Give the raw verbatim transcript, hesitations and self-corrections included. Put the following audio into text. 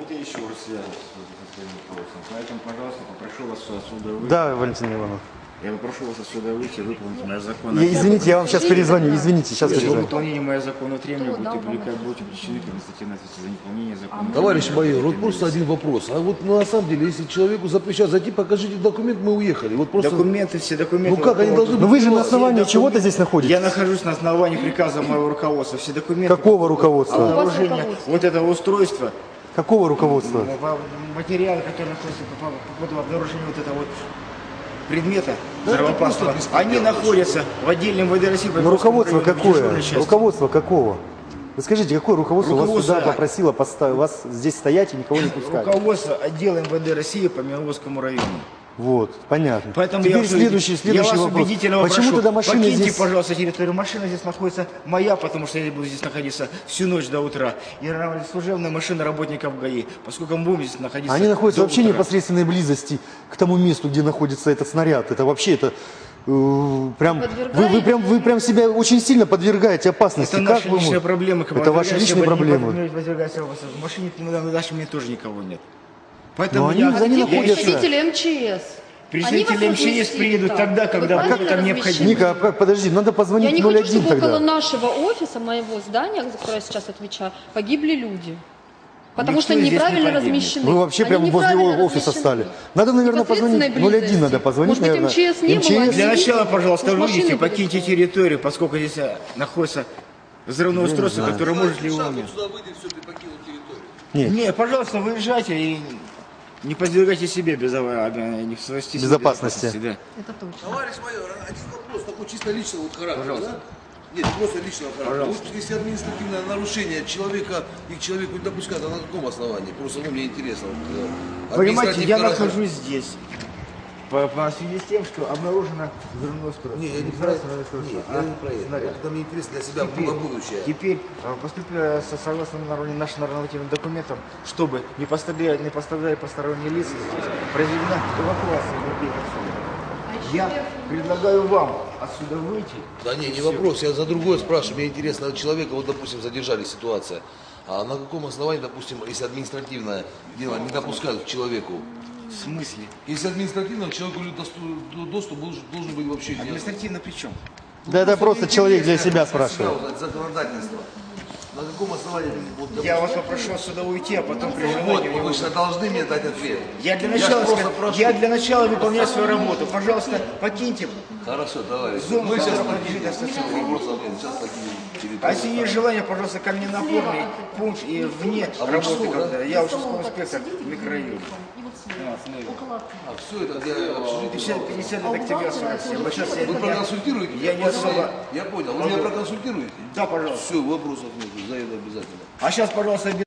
это еще раз связано со своим вопросом. Поэтому, пожалуйста, попрошу вас отсюда выйти. Да, Валентина Ивановна. Я попрошу вас отсюда выйти, выполнить мои законные... Извините, я вам сейчас перезвоню. Извините, сейчас Если перезвоню. выполнение моих законных требований будете привлекать, будете причины к административной ответственности за неполнение законных. Товарищ майор, вот просто один вопрос. А вот ну, на самом деле, если человеку запрещают зайти, покажите документ, мы уехали. Вот просто... Документы, все документы... Ну как, они должны быть... Но вы же на основании чего-то здесь находитесь? Я нахожусь на основании приказа моего руководства. Все документы... Какого руководства? Обнаружение вот этого устройства... Какого руководства? Материалы, которые находятся по поводу обнаружения вот этого вот предмета взрывоопасного, они находятся в отдельном ВД России. Но руководство какое? Руководство какого? Вы скажите, какое руководство, руководство вас сюда попросило поставить, вас здесь стоять и никого не пускать? Руководство отдела МВД России по Мировскому району. Вот, понятно. Поэтому Теперь я, следующий, следующий я вас вопрос. убедительно Почему прошу, тогда машина покиньте, здесь... пожалуйста, территорию. Машина здесь находится моя, потому что я буду здесь находиться всю ночь до утра. И служебная машина работников ГАИ, поскольку мы будем здесь находиться. Они находятся вообще в утра. непосредственной близости к тому месту, где находится этот снаряд. Это вообще это... э, Прям, вы, вы, прям, вы прям себя очень сильно подвергаете опасности. Это как наши вы личные можете? проблемы. Это ваши личные проблемы. В машине на нашей мне тоже никого нет. Поэтому Но они, я, они я, находятся... Представители МЧС. Представители МЧС приедут тогда, когда будет там необходимо. Ника, а подожди, надо позвонить Я не ноль хочу, один чтобы тогда. около нашего офиса, моего здания, за которое я сейчас отвечаю, погибли люди. Потому Никто что здесь не неправильно погибнет. размещены. Вы вообще Они прямо возле неправильно офиса размещены. стали. Надо, наверное, позвонить Непосредственной ноль один, близости. надо позвонить, Может быть, наверное. МЧС не было, МЧС. Для начала, пожалуйста, Может, выйдите, машины были покиньте сломаны. территорию, поскольку здесь а, находится взрывное устройство, которое может ли умереть. Нет. Не, пожалуйста, выезжайте и не подвергайте себе безопасности. Безопасности. Да. Это точно. Товарищ майор, один вопрос такой чисто личного вот характера, да? Нет, просто личного характера. Вот если административное нарушение человека и к человеку не допускают, а на каком основании? Просто ну, мне интересно. Вот, Понимаете, я характер. нахожусь здесь. По, по связи с тем, что обнаружено взрывное устройство. Не, я не про это. Нет, я не про это. Это мне интересно для себя Теперь, было будущее. теперь э, поступило со- согласно норм- нашим нормативным документам, чтобы не пострадали, не пострадали посторонние лица, здесь произведена эвакуация людей отсюда. Я предлагаю вам отсюда выйти. Да не, не вопрос, я за другое спрашиваю. Мне интересно, человека, вот, допустим, задержали ситуация. А на каком основании, допустим, если административное дело не допускают к человеку? В смысле? Если административно, человеку доступ, доступ должен, должен быть вообще не Административно при чем? Да это просто мне человек для интересно, себя для спрашивает. узнать законодательство. На каком основании? Вот, Я вас попрошу отсюда уйти, а потом при вот, желании... вы же должны мне дать ответ. Я для ж начала, просто ска- прошу. я для начала выполняю свою работу. Пожалуйста, покиньте. Хорошо, товарищ. Зону Мы сейчас которая покинем. принадлежит Вопросов нет. Сейчас покинем территорию. А если есть желание, пожалуйста, ко мне на форме, пункт и вне А вы работы, что, когда да? я участковый инспектор в микрорайоне. А все это где общежитие? пятьдесят, пятьдесят лет октября сорок семь. Вот сейчас я, Вы я, проконсультируете? я не особо... Я понял. Вы меня проконсультируете? Да, пожалуйста. Все, вопросов нет. Заеду обязательно. А сейчас, пожалуйста,